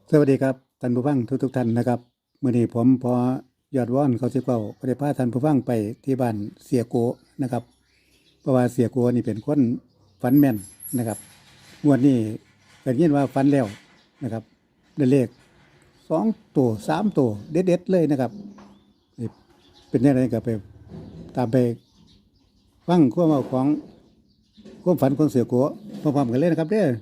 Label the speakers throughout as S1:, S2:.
S1: สวัสดีครับท่านผู้ฟังทุกท่านนะครับมื้อนี้ผมพอยอดว่อนเขาสิเว้าก็ได้พาท่านผู้ฟังไปที่บ้านเสียโกนะครับเพราะว่าเสียโกนี่เป็นคนฝันแม่นนะครับงวดนี้ก็ยินว่าฝันแล้วนะครับได้เลข2ตัว3ตัวเด็ดๆเลยนะครับนี่เป็นจังไดก็ไปตามไปฟังความเว้าของความฝันของเสียโกพร้อมๆกันเลยนะครับเด้อ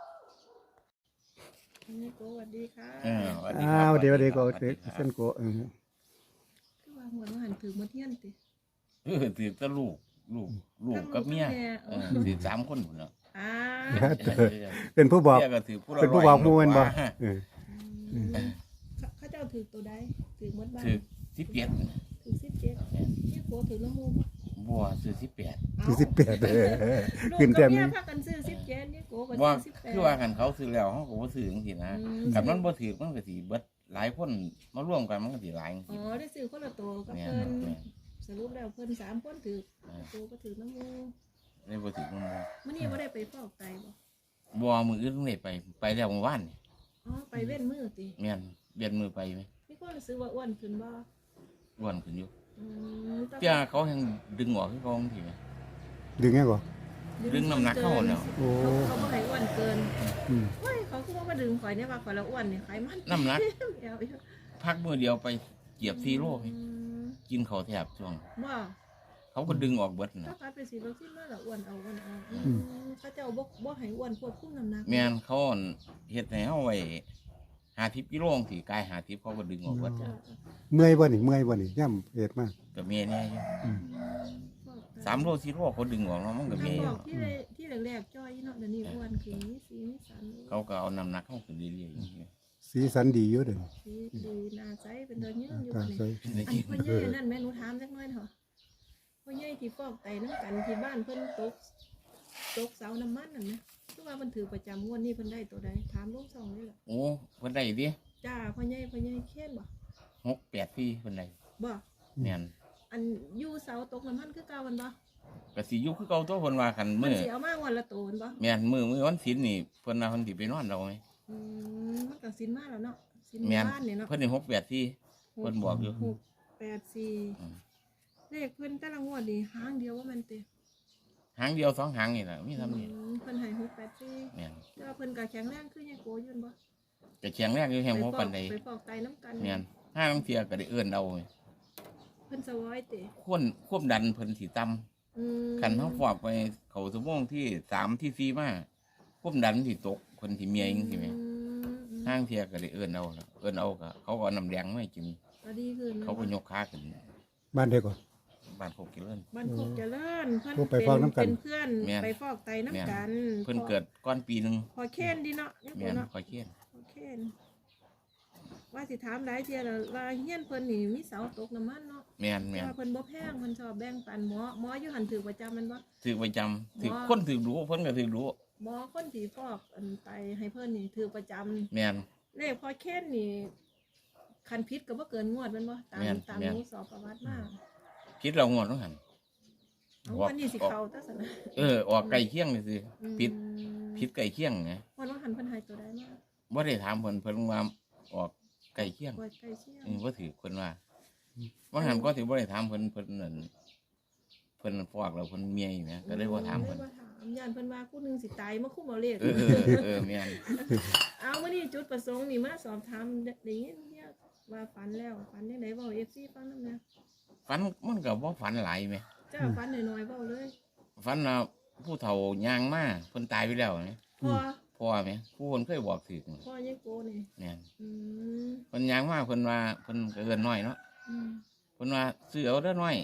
S2: คุณนิโกสวัสดีค่ะ
S3: สวัสดีครับ
S1: เดี๋ยว
S3: สวัสดี
S1: ก็
S3: ครับสวัสดีครับ
S1: เส้นโก
S2: คือว่าหัวหันถือมาเที่ยนติ
S3: ถือแต่ลูกกับเมียถือ3 คนพุ่นเนาะ
S2: อ่า
S1: เป็นผู้บอก
S3: เมียก็ถือผู้ละ
S1: เป็นผู้บอกหมู่แม่นบ่ เออ
S2: เขาเจ้าถือตัวใดถือหมดบ้าน
S3: ถือ17
S2: ถือ17นี่โกถือละมูบ่
S3: บ่ซื้อ18
S1: ที่18
S2: ลูก
S1: ขึ้น
S2: กั
S1: แต้
S2: บ
S1: ม
S2: เมีย
S1: นึง
S2: พากันซื้อ17นี่โกก็
S3: บ่
S2: ซื้อ18
S3: คือว่ากันเขาซื้อแล้วเฮาก็บ่ซื้อจังซี่นะคันมันบ่ถือมันก็สิเบิดหลายคนมารวมกันมันก็สิหลายจัง
S2: อ๋
S3: ซี่
S2: อได้ซื้อคนละตัวกับ
S3: แม่น
S2: เพิ่น
S3: แม่น
S2: สรุปแล้วเพิ่น3คนถือโกก็ถือละมู
S3: ได้บ่ถือมัน
S2: มื้อนี้บ่ได้ไปฟอกไตบ่
S3: บ่มื้ออื่นได้ไปแล้วเมื่อวานนี่
S2: อ๋อไปเว้นมื้อติ
S3: แม่นเบียนมือไปไหม
S2: มีคนรู้สึกว่าอ้วนขึ้นบ่
S3: อ้วนขึ้นอยู่
S2: แต่
S3: เจ้าเขายังดึงออกคือเขาจังซี่แหม
S1: ดึงไงก่อน
S3: ดึงน้ำหนักเข้าแล้ว
S1: โอ้
S2: เขาบ่ให้อ้วนเกิน
S1: อืม
S2: เฮ้ยเขาคือว่ามาดึงข่อยเนี่ยว่าข่อยละอ้วนเนี่ยไขมัน
S3: น้ำหนัก
S2: เดี๋ยว
S3: พักมื้อเดียวไปเหยียบ4 โลไหม
S2: อืม
S3: กินข้าวแทบช่วง
S2: ว่า
S3: เขาก็ดึงออกเบิด
S2: ถ้า
S3: นะ
S2: ไปเป็นสีเราที่มาละอ้วนเอาเขาเจ้าบ่ให้อ้วนควบคุมน้ำหนัก
S3: แม่นเขาอั่นเฮ็ดให้เฮาไว้50 กิโลสิกาย50เขาก็ดึงออกเบิด
S2: จ้ะ
S1: เมื่อยบ่นี่ย่ำเอ็ดมาก
S3: ก็มีแน่อยู่
S1: อืม
S3: 3 โล4 โลเขาดึงออกเนาะมันก็
S2: ท่า
S3: มี
S2: น
S3: อบ
S2: อยู่ กที่แรกๆจ้อยเนาะเดี๋ยวนี้อ้วนขึ้นมีสีมีสัน
S3: เขาก็เอาน้ำหนักเข้าขึ้นเรื่อยๆอย่างนี้
S1: สีสันดีอยู่เด้อ
S2: สีดีหน้าใสเป็นเดินยืนอยู่
S1: ตา
S2: นี่
S1: ใส
S3: ใน
S2: อัน
S3: จริง
S2: พ่อใหญ่นั่นแม่หนูถามจักหน่อยเถอะพ่อใหญ่ที่ฟอกไตน้ำกันที่บ้านเพิ่นตกเสาน้ำมันนั่นนะคือว่ามันถือประจำงวดนี้เพิ่นได้ตัวใดถามลุงส่องนี่แหละ
S3: โอ้เพิ่นได้ดิ
S2: จ้าพ่อใหญ่เค้นบ่
S3: 6 8ปีเพิ่นได้
S2: บ่
S3: แม่น
S2: อันอยู่เสาตกน้ำมันคือเก่ามันบ่
S3: ก็สิอยู่คือเก่าตัวเพิ่นว่าคัน
S2: มัน
S3: มื้อ
S2: สิเอามาวันละโตนบ่
S3: แม่นมื้อวันศีลนี่เพิ่นว่าเพิ่นสิไปนอนเอาไหม
S2: มันก็สินมาแล้วเนาะสิน
S3: แม่น
S2: บ้านนี่เนาะ
S3: เพิ่นได้6 8ปีเพิ่นบอกอยู่ อืม
S2: 684เลขเพิ่นแต่ละงวดนี่หางเดียวว่ามันเตะ
S3: หางเดียว2 หางนี่ล่ะมีเท่านี้
S2: เพิ่นให้684
S3: แม่น
S2: แต่ว่าเพิ่นก็แข็งแรงคือยังโกอยู่บ่
S3: ก็แข็งแรงอยู่แฮงบ่ปานใด
S2: ไปฟอกไตน้ำกัน
S3: แม่นห้าลางเที่ยก็ได้เอิ้นเอา
S2: เพิ่นสวอยเตะ
S3: ควบดันเพิ่นสิต่ำ คันเขาฟอกไปเขาสมองที่3ที่4มาควบดันที่ตกคนที่เมียเองใช่ไหมห้างเทียก็ได้เอิ้นเอาล่ะเอิ้นเอาก็เขาก็เอาน้ำแดงมาให้กิน
S2: ก็ดีขึ้น
S3: เขาก็ยกขาขึ้น
S1: บ้านเด็กก่อน
S3: บ้านโคกกิเลน
S2: บ้านโคกเจริญเพิ่น
S1: โอ้ไปฟอกน้ำกัน
S2: เป็นเพื่อน
S3: แม่น
S2: ไปฟอกไตน้ำกัน
S3: เพิ่นเกิดก้อนปีหนึง
S2: พอเค้นดีเนาะเนี่ย
S3: แม่น
S2: เนาะ
S3: คอยเคียน
S2: พอเค้นว่าสิถามหลายเที่ยแล้วว่าเฮียนเพิ่นนี่มีเสาตกน้ำมันเนาะ
S3: แม่นแม่น
S2: ว่าเพิ่นบ่แพงเพิ่นชอบแบ่งปันหมออยู่หันถือประจำแมันบ่
S3: ถือประจำถือคนถือรู้เพิ่นก็ถือรู้
S2: หมอคนที่ฟอกอันไตให้เพิ่นนี่ถือประจำ
S3: แม่น
S2: เลขพอเค้นนี่คันพิษก็บ่เกินงวดแมันบ่ตาม
S3: แม่น
S2: ตาม
S3: แม่น
S2: หนูสอบประวัติมา
S3: คิดเรางวดต้องหัน
S2: เอาวันนี้สิเข้าตัสนะ
S3: ออกไก่เคียงเลยสิผิด
S2: อืม
S3: ผิดไก่เคียงไง
S2: วันว่าหันเพิ่นให้ตัวใดมา
S3: บ่ได้ถามเพิ่นว่าออกไก่เคียง
S2: ปล่อยไก่เชี่ยง
S3: บ่ถือเพิ่นว่าว่าหันก็ถือบ่ได้ถามเพิ่นนั่นเพิ่นฟอกแล้วเพิ่นเมียอยู่แหมก็เลยบ่ถามเพิ่น
S2: เลยบ่ถามย่านเพิ่นว่าผู้หนึงสิตายมาคุมเอาเลข
S3: แม่น
S2: เอามื้อนี้จุดประสงค์นี่มาสอบถามได้ยินเนี่ยว่าฝันแล้วฝันจังได๋เว้า FC ฟังนำแหน่
S3: ฝันมันก็บ่ฝันหลายแหม
S2: จ้าฝันน้อยๆเว้าเลย
S3: ฝันว่าผู้เฒ่าย่างมาเพิ่นตายไปแล้วแหม
S2: พ่อ
S3: พ่อแหมผู้คนเคยบอกถึก
S2: พ่อยังโกนี่
S3: แม่น
S2: อืม
S3: เพิ่นย่างมาเพิ่นว่าเพิ่นก็เอิ้นน้อยเนาะ
S2: อืม
S3: เพิ่นว่าซื้อเอาเด้อน้อย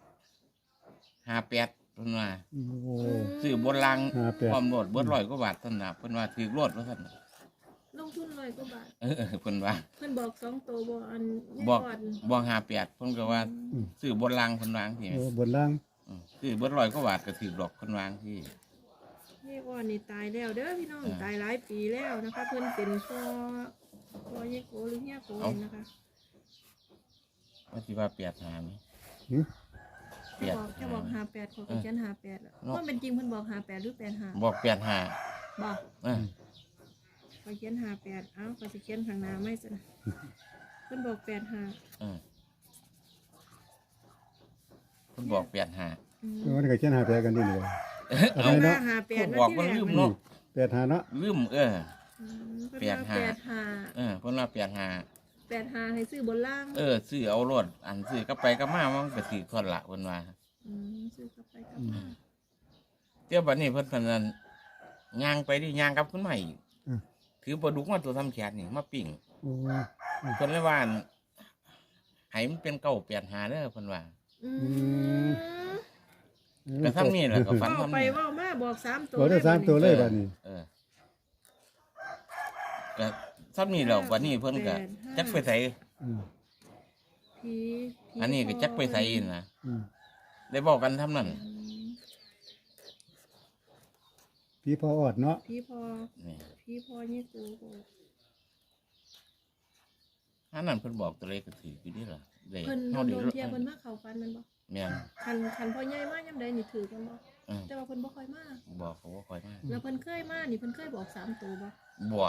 S3: 58เพิ่นว่า
S1: โอ้
S3: ซื้อบนราง
S1: 58
S3: ความโลดเบิด100กว่าบาทเท่านนน่ะเพิ่นว่าถือโลดว่าซั่น
S2: ลงทุน100กว่าบาท
S3: เพิ่นว่า
S2: เพิ่นบอก2ตัวบ่อัน
S3: บอก
S2: ก่อน
S3: บ่58เพิ่นก็ว่าซื้อบนรางเพิ่นวาจังซี่แหม
S1: โอ้บนล่าง
S3: ซื้อเบิด100กว่าบาทก็ถือดอกเพิ่นวาจังซี่
S2: นี่ก่อนนี่ตายแล้วเด้อพี่น้อง
S3: อ่า
S2: ตายหลายปีแล้วนะคะเพิ่นเป็นพ่อยังโกหรือเฮียโกนี่นะคะ
S3: ว่าสิว่า8หามั้ย
S1: หึ
S2: จะบอก58ขอเขียน58แล้ว
S3: เนาะ
S2: ว่าเป็นจริงเพิ่นบอก58หรือ85
S3: บอก8หา
S2: บอก
S3: เออ
S2: ไปอยเขียน58เอ้าข้อยสิเขียนข้างหน้าไม่ซะนะเพิ่นบอก85
S3: เพิ่นบอก85
S1: มันก็เขียนหาแปดกันนี่เลย
S3: เอา
S1: เอาเนาะ
S2: 58
S3: เพิ่นบอกว่าลืมเนาะ
S1: แปดหาเนาะ
S3: ลืม
S2: เพิ่นว่า
S3: เพิ่นว่า
S2: 85ให้ซื้อบนล่าง
S3: ซื้อเอารถอันซื้อกลับไปกลับมามันก็สิทอนละเพิ่นว่า
S2: ซื้อกลับไปกลับมา
S3: เดี๋ยวบัดนี้เพิ่นพนันย่างไปดิย่างกลับขึ้นมาอีกถือปลาดุกมาตัวทำแขนนี่มาปิ้ง
S1: โอ้
S3: เพิ่นเลยว่าอั่นให้มันเป็น985เด้อเพิ่นว่า ก็ทำนี่แหละก็ฝัน
S2: เว้า
S3: ทำ
S2: ไป
S3: นี่
S2: เว้ามาบอก3ตัว
S1: บอกได้สามตัวเลยบัดนี้
S3: ก็ทำนี่แล้ววันนี้เพิ่นก็จักไปใส่
S2: ผี
S3: อันนี้ก็จักไปใส่นะ
S1: อืม
S3: ได้บอกกันทำนั่น
S1: พี่พออดเนาะ
S2: ผีพอ
S3: นี่
S2: ผีพอนี่กูบอก
S3: อันนั้นเพิ่นบอกตัวเลขก็ถืออยู่นี่ล่ะได้
S2: เพิ่น
S3: เฮา
S2: โด
S3: ได้
S2: นเทียเพิ่นมาเข้าฟันแมันบ่
S3: แม่น
S2: คันพ่อใหญ่มายามใดนี่ถือกันบ่
S3: เออ
S2: แต่ว่าเพิ่นบ่ค่อยมา
S3: บอกเขาว่าคอยมา
S2: แล้วเพิ่นเคยมานี่เพิ่นเคยบอก3ตัวบ่
S3: บัว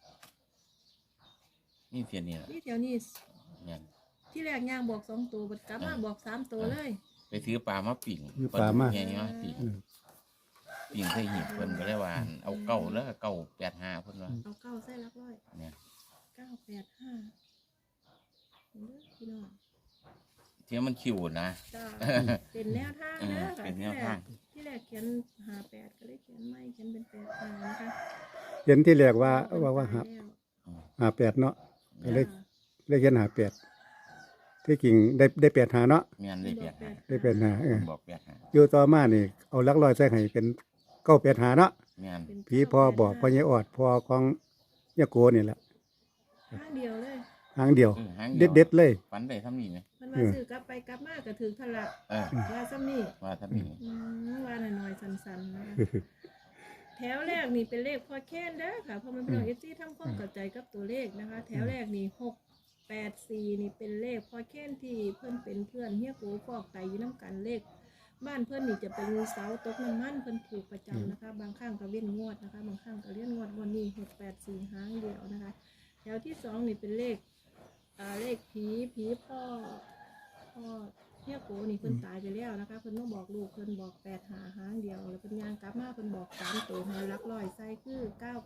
S3: นี่เพียงนี่ล่ะ
S2: นี่แถวนี้
S3: แม่น
S2: ที่แรกย่างบอก2ตัวบัดกลับมาบอก3ตัวเลย
S3: ไปถือปลามาปิ้ง
S1: ถือปลามา
S3: ใหญ่มาปิ้ง
S1: อืม
S3: ปิ้งใส่หีบเพิ่นก็เลยว่าเอาเก้าแล้วก็985เพิ่นว่า
S2: เอา9ใส่หลักร้อย
S3: เนี่ย
S2: 985เด้อพี่น้อง
S3: ที่มันคิวนะ
S2: จ้าเป็นแนวทางเด้อค่ะ
S3: เป็นแนวทาง
S2: ที่แรกเขียน58ก็เลยเขียนไม่เขียนเป็น85นะคะ
S1: เห็นที่แรกว่าหา
S2: แล้ว
S1: หาแปดเนาะก็เลย
S2: จ้า
S1: เลยเขียนหาแปดที่กิ่งได้แปดหาเนาะ
S3: แม่นได้85
S1: ได้แปดหา
S3: เพิ่นบอก85
S1: อยู่ต่อมานี่เอาหลักร้อยใส่ให้เป็นเก้าแปดหาเนาะ
S3: แม่น
S2: เป็น
S1: พี่พ่อบอกพ่อใหญ่ออดพ่อของยาโกนี่แหละ
S2: ข้างเดียวเลย
S1: หางเดียว
S3: หาง
S1: เด็ดๆเลย
S3: ฝันได้ทำนี่ไหม
S2: มันมาซื้อกลับไปกลับมาก็ถึงทะละ
S3: เออ
S2: ว่าซ้ำนี่
S3: ว่าทำนี่
S2: ว่าหน่อยๆสันๆนะคะแถวแรกนี่เป็นเลขพอแค้นเด้อค่ะเพราะมันเป็นเอฟซีทำความเข้าใจกับตัวเลขนะคะ แถวแรกนี่684นี่เป็นเลขพอแค้นที่เพิ่นเป็นเพื่อนเฮียโกฟอกไตอยู่น้ำกันเลข บ้านเพื่อนนี่จะเป็นเสาตกน้ำมันเพื่อนถูกประจำนะคะ บางครั้งก็เว้นงวดนะคะ บางครั้งก็เลื่อนงวดวันนี้684หางเดียวนะคะ แถวที่2นี่เป็นเลขเลขผีพ่อเฮียโกนี่เพิ่นตายไปแล้วนะคะ เพิ่นมาบอกลูกเพิ่นบอก85หางเดียวแล้วเพิ่นย่างกลับมาเพิ่นบอก3ตัวให้หลักร้อยใส่คือ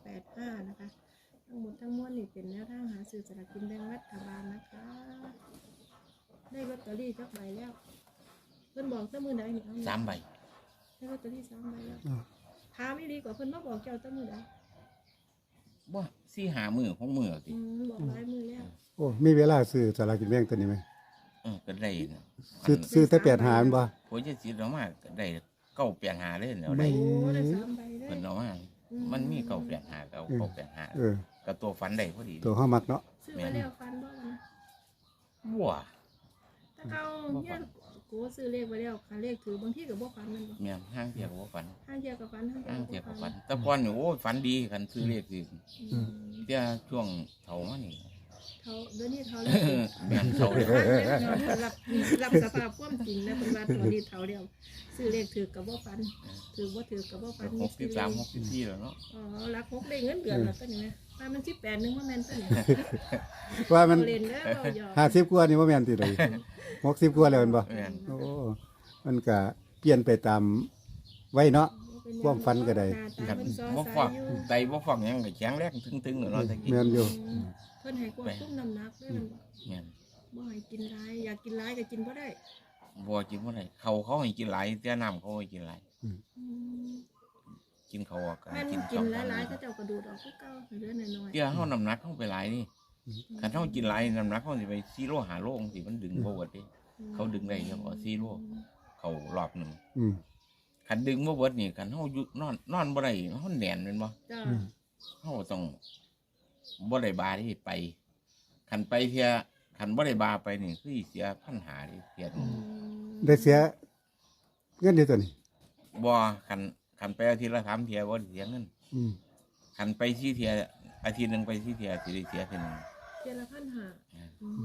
S2: 985นะคะ ทั้งหมดทั้งมวลนี่เป็นแนวทางหาซื้อสลากกินแบ่งรัฐบาลนะคะ ได้ลอตเตอรี่จักใบแล้ว เพิ่นบอกแต่มื้อใดนี่เอา
S3: 3 ใบ
S2: ได้ลอตเตอรี่3ใบแล้วถามอีหลีกว่าเพิ่นมาบอกเจ้าแต่มื้อใด
S3: บ่4 5มื้อของมื้อติ
S2: บอกหลายมื้อแล้ว
S1: โอ้มีเวลาซื้อสลากกินแบ่งตัวนี้ไหม
S3: ก็ได้นะ
S1: ซื้อแต่แปดหามันบ่
S3: ผมจะสิเอามาก็ได้985เลยแล้ว
S1: ไม่
S3: ได้
S2: โอ้ได้3ใบเลย
S3: เพิ่นเอามามันมี985กับ985
S1: เออ
S3: กับตัวฝันได้พอดี
S1: ตัวห้ามักเนาะ
S2: ซื้อมาแล้วฟันบ่มัน
S3: บัว
S2: ถ้าเขาเนี่ยกูซื้อเลขไว้แล้วคันเลขถือบางทีก็บ่ฟันมันบ่
S3: แม่นห้างเที่ยวก็บ่ฝัน
S2: ห้างเดียวกับฟันห้างเดีย
S3: ห้าง
S2: ว
S3: เที่ยว
S2: กั
S3: ก็
S2: บ
S3: ฝั
S2: ฟั
S3: น
S2: น
S3: แต่ก่อนนี่โอ้ยฝันดีกันซื้อเลขสิ
S2: อืม
S3: เที่ยช่วงเฒ่ามานี่
S2: เขาเดี๋ยวนี้เขาแล้ว
S3: แม่นเฒ่าเลย
S2: รับสภาพความจริงแล้วเป็นว่าตัวนี้เท่าเดียวซื้อเลขถือกับว่าฟันถือว่าถือกับว่าฟัน
S3: 63 64แล้วเนาะ
S2: อ๋อรักหกได้เงินเดือนแล้วก็นี่นะว่ามัน18นึงว่าแม่นตัวนี้
S1: ว่ามัน
S2: เล่นแล้วเราหยอก
S1: 50กว่านี่บ่แม่นติเลย60กว่าแล้วแม่นบ่
S3: แม่น
S1: โอ้มันก็เปลี่ยนไปตามไว้เนาะ ความฝันก็ได้
S3: คันบ่ฟักไตบ่ฟักหยังก็แข็งแรงตึงๆเนาะตะกี้
S1: แม่นอยู่
S2: เพิ่นให้ควบคุมน้ำหนักด้วยมันบอก
S3: แม่น
S2: บ่ให้กินหลายอยากกินหลายก็กินบ่ได้
S3: บ่กินบ่ได้เขาให้กินหลายแต่น้ำเขาให้กินหลาย
S2: อืม
S3: กินเขาวก็
S2: แม่น
S3: กิน
S2: กิน
S3: ข้าว
S2: หลายๆก็เจ้ากระดูดออกคือเก่าเหลือน้อย
S3: เดี๋ยวเฮาน้ำหนักเฮาไปหลายนี่คันเฮากินหลายน้ำหนักเฮาสิไป4โล5โลจังซี่มันดึงบ่เบิดเด้
S2: ๆ
S3: เขาดึงได้เฉพาะ4โลเขารอบหนึง
S1: อืม
S3: คันดึงบ่เบิดนี่คันเฮาอยู่นอนบ่ได้เฮาแน่นแม่นบ่
S2: จ้า
S3: เฮาต้องบ่ได้บาที่ไปคันไปเที่ยคันบ่ได้บาไปนี่คือสิเสียปัญหาดิเสีย
S1: ได้เสียเงินเดียวตัวนี้
S3: บ่คันไปอาทิตย์ละ3เที่ยบ่ได้เสียเงิน
S1: อืม
S3: คันไป4เที่ยอาทิตย์หนึงไป4เที่ยสิได้เสียเท่านึง
S2: เดือนละ1,500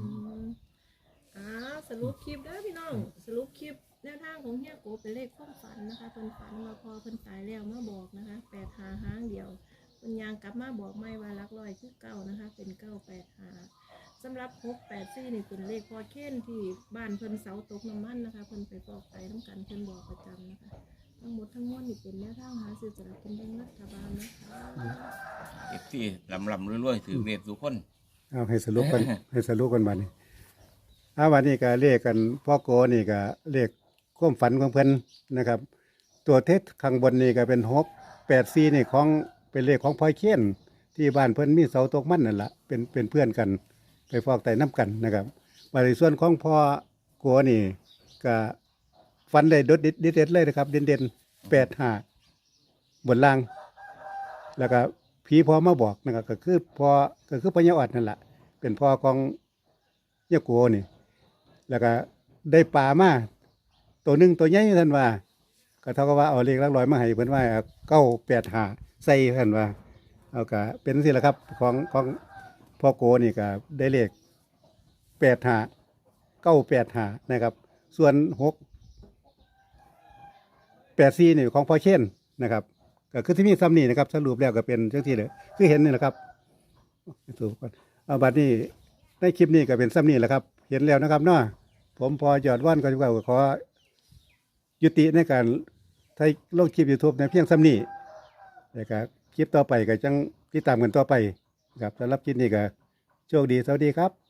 S2: สรุปคลิปเด้อพี่น้องสรุปคลิปแนวทางของเฮียโกเป็นเลขความฝันนะคะเพิ่นฝันว่าพอเพิ่นตายแล้วมาบอกนะคะ85หางเดียวเป็นยางกลับมาบอกไม่ว่าหลักร้อยคือเก้านะคะ เป็น985สำหรับ684นี่เป็นเลขพอเค้นที่บ้านเพิ่นเสาตกน้ำมันนะคะเพิ่นไปฟอกไตน้ำกันเพิ่นบอกประจำนะคะ ทั้งหมดทั้งมวลนี่เป็นแนวทางหาซื้อสลากกินแบ่งรัฐบาลนะคะ
S3: เอฟซีลำรวยๆถือเรียกทุกคน
S1: เอาให้สรุปกัน ให้สรุปกันบัดนี้วันนี้ก็เลขกันพ่อโกนี่ก็เลขความฝันของเพิ่นนะครับ ตัวเท็จข้างบนนี่ก็เป็น684นี่ของเป็นเลขของพลอยเคียนที่บ้านเพิ่นมีเสาตกมันนั่นล่ะเป็นเพื่อนกัน ไปฟอกไตน้ำกันนะครับว่าในส่วนของพ่อโกนี่ก็ฝันได้เด็ดเลยนะครับเด่น85บนล่าง แล้วก็ผีพ่อมาบอกนะครับก็คือพ่อยาอดนั่นแหละเป็นพ่อของยาโกนี่ แล้วก็ได้ปลามาตัวหนึ่งตัวใหญ่ท่านว่า ก็เท่ากับว่าเอาเลขหลักร้อยมาให้เพิ่นว่า985ใส่ท่านว่าเอาก็เป็นสิละครับของพ่อโกนี่ก็ได้เลข985นะครับ ส่วน684นี่ของพ่อเช่นนะครับ ก็คือที่มีซ้ำนี่นะครับสรุปแล้วก็เป็นจังที่เลยคือเห็นนี่แหละครับถูกก่อนเอาบัดนี้ในคลิปนี้ก็เป็นซ้ำนี่แหละครับ เห็นแล้วนะครับเนาะผมพอยอดว่านก็จะขอยุติในการไทยลงคลิป YouTube ในเพียงซ้ำนี่แต่ก็คลิปต่อไปก็จังติดตามกันต่อไปครับสำหรับคลิปนี้ก็โชคดีสวัสดีครับ